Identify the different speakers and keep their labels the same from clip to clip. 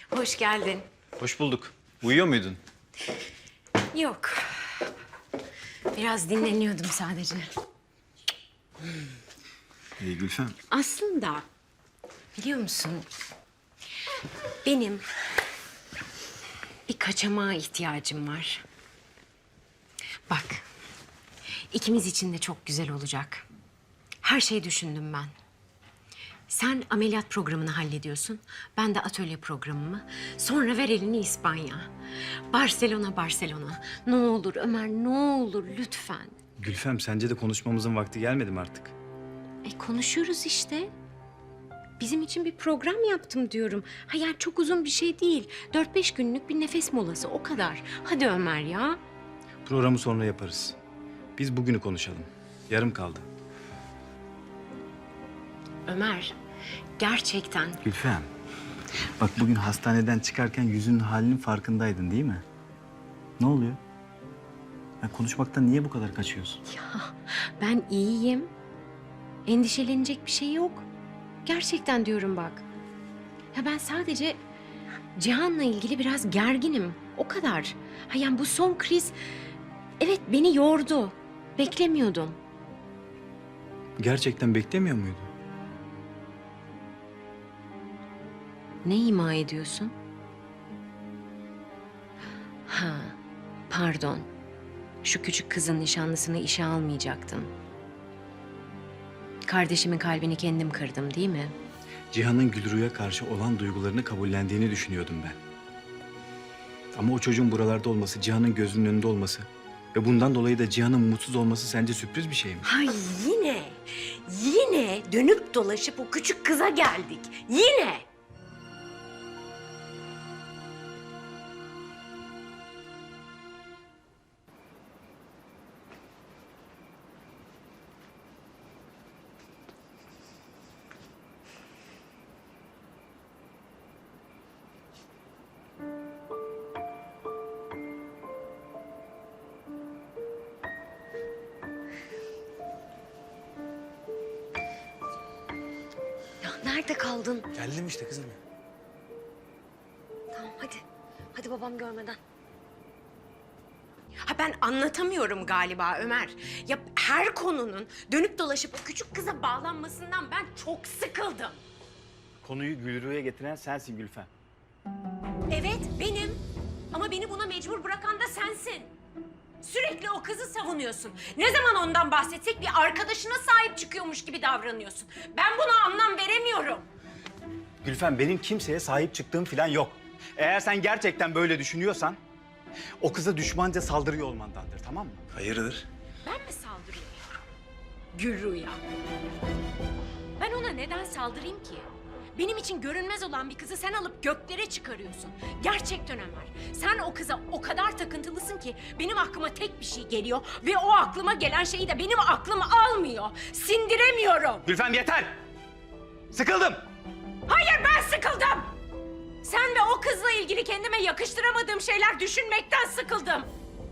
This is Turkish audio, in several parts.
Speaker 1: Hoş geldin.
Speaker 2: Hoş bulduk. Uyuyor muydun?
Speaker 1: Yok. Biraz dinleniyordum sadece.
Speaker 2: Gülfem.
Speaker 1: Aslında biliyor musun? Benim bir kaçamağa ihtiyacım var. Bak, ikimiz için de çok güzel olacak. Her şeyi düşündüm ben. Sen ameliyat programını hallediyorsun. Ben de atölye programımı. Sonra ver elini İspanya. Barcelona, Barcelona. Ne olur Ömer, ne olur lütfen.
Speaker 2: Gülfem, sence de konuşmamızın vakti gelmedi mi artık?
Speaker 1: Konuşuyoruz işte. Bizim için bir program yaptım diyorum. Ha yani çok uzun bir şey değil. 4-5 günlük bir nefes molası o kadar. Hadi Ömer ya.
Speaker 2: Programı sonra yaparız. Biz bugünü konuşalım. Yarım kaldı.
Speaker 1: Ömer, gerçekten
Speaker 2: Gülfem, bak bugün hastaneden çıkarken yüzünün halinin farkındaydın değil mi? Ne oluyor? Ya konuşmaktan niye bu kadar kaçıyorsun?
Speaker 1: ben iyiyim. Endişelenecek bir şey yok. Gerçekten diyorum bak. Ya ben sadece Cihan'la ilgili biraz gerginim. O kadar. Ha yani bu son kriz evet beni yordu. Beklemiyordum.
Speaker 2: Gerçekten beklemiyor muydun?
Speaker 1: Ne ima ediyorsun? Ha, pardon. Şu küçük kızın nişanlısını işe almayacaktım. Kardeşimin kalbini kendim kırdım değil mi?
Speaker 2: Cihan'ın Gülru'ya karşı olan duygularını kabullendiğini düşünüyordum ben. Ama o çocuğun buralarda olması, Cihan'ın gözünün önünde olması ve bundan dolayı da Cihan'ın mutsuz olması sence sürpriz bir şey mi?
Speaker 1: Hay yine dönüp dolaşıp o küçük kıza geldik. Yine. Ya nerede kaldın?
Speaker 3: Geldim işte kızım.
Speaker 1: Tamam hadi. Hadi babam görmeden. Ha ben anlatamıyorum galiba Ömer. Ya her konunun dönüp dolaşıp o küçük kıza bağlanmasından ben çok sıkıldım.
Speaker 2: Konuyu Gülru'ya getiren sensin Gülfem.
Speaker 1: Evet benim. Ama beni buna mecbur bırakan da sensin. Sürekli o kızı savunuyorsun. Ne zaman ondan bahsetsek bir arkadaşına sahip çıkıyormuş gibi davranıyorsun. Ben buna anlam veremiyorum.
Speaker 2: Gülfem, benim kimseye sahip çıktığım falan yok. Eğer sen gerçekten böyle düşünüyorsan o kıza düşmanca saldırıyor olmandandır, tamam mı?
Speaker 3: Hayırdır?
Speaker 1: Ben mi saldırıyorum? Gülru'ya. Ben ona neden saldırayım ki? Benim için görünmez olan bir kızı sen alıp göklere çıkarıyorsun. Gerçekten Ömer. Sen o kıza o kadar takıntılısın ki benim aklıma tek bir şey geliyor ve o aklıma gelen şeyi de benim aklım almıyor. Sindiremiyorum.
Speaker 2: Gülfem yeter! Sıkıldım!
Speaker 1: Hayır ben sıkıldım. Sen ve o kızla ilgili kendime yakıştıramadığım şeyler düşünmekten sıkıldım.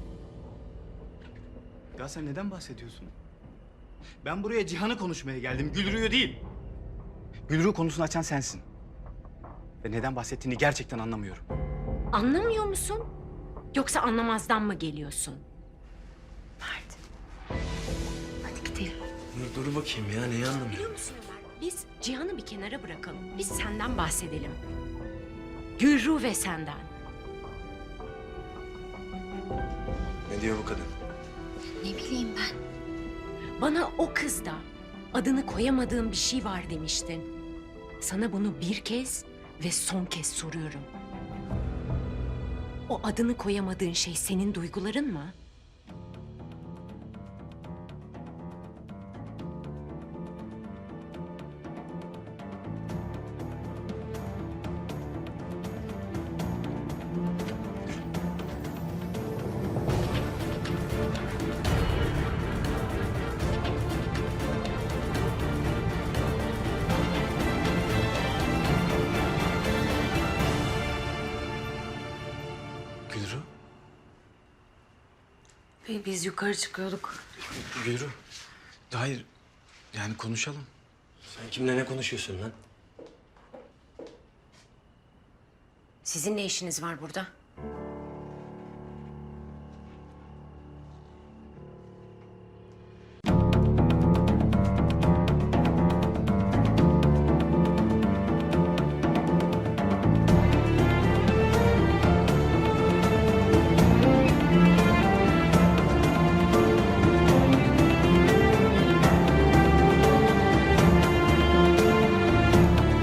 Speaker 2: Ya sen neden bahsediyorsun? Ben buraya Cihan'ı konuşmaya geldim, Gülru'yu değil. Gülru konusunu açan sensin. Ve neden bahsettiğini gerçekten anlamıyorum.
Speaker 1: Anlamıyor musun? Yoksa anlamazdan mı geliyorsun? Mert. Hadi gidelim.
Speaker 3: Dur bakayım ya, neyi anlamıyorum?
Speaker 1: Biliyor musun Ömer? Biz Cihan'ı bir kenara bırakalım. Biz senden bahsedelim. Gülru ve senden.
Speaker 3: Ne diyor bu kadın?
Speaker 1: Ne bileyim ben. Bana o kızda adını koyamadığım bir şey var demiştin. Sana bunu bir kez ve son kez soruyorum. O adını koyamadığın şey senin duyguların mı?
Speaker 3: Gülru?
Speaker 1: Biz yukarı çıkıyorduk.
Speaker 3: Gülru. Hayır, yani konuşalım. Sen kimle ne konuşuyorsun lan?
Speaker 1: Sizin ne işiniz var burada?